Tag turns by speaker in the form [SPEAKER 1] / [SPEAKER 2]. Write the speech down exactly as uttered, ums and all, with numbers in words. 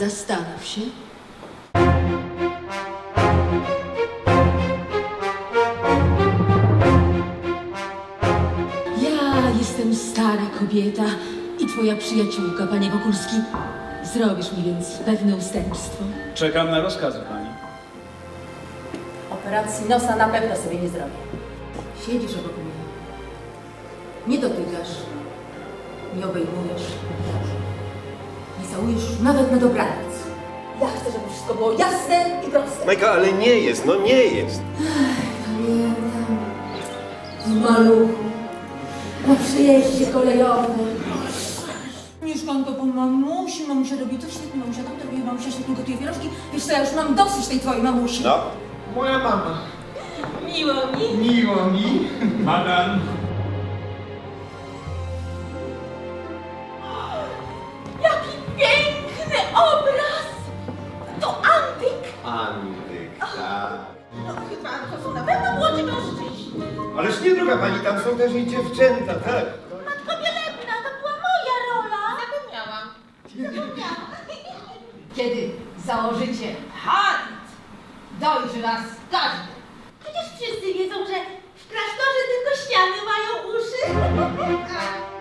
[SPEAKER 1] Zastanów się. Ja jestem stara kobieta i twoja przyjaciółka, panie Wokulski. Zrobisz mi więc pewne ustępstwo.
[SPEAKER 2] Czekam na rozkazy pani.
[SPEAKER 3] Operacji nosa na pewno sobie nie zrobię.
[SPEAKER 1] Siedzisz obok mnie. Nie dotykasz. Nie obejmujesz. Nie całujesz już nawet na dobranoc.
[SPEAKER 3] Ja chcę, żeby wszystko było jasne i proste.
[SPEAKER 4] Majka, ale nie jest, no nie jest.
[SPEAKER 1] Pamiętam. W maluchu. Na przejeździe kolejowym. Mieszkanko po mamusi. Mamusia robi to świetnie. Mamusia tam to robi. Mamusia świetnie gotuje pierożki. Wiesz co, ja już mam dosyć tej twojej mamusi.
[SPEAKER 4] No.
[SPEAKER 5] Moja mama.
[SPEAKER 1] Miło mi.
[SPEAKER 5] Miło mi.
[SPEAKER 2] Madam.
[SPEAKER 3] Jaki piękny obraz! To antyk!
[SPEAKER 4] Antyk, tak.
[SPEAKER 3] No chyba to są na pewno młodzi mężczyźni.
[SPEAKER 4] Ależ nie, droga pani, tam są też i dziewczęta, tak?
[SPEAKER 3] Matko Wielebna, to była moja rola. Zapomniałam. Zapomniałam.
[SPEAKER 6] Kiedy założycie charyt, dojrzy was każdy.
[SPEAKER 3] Przecież wszyscy wiedzą, że w klasztorze tylko ściany mają uszy.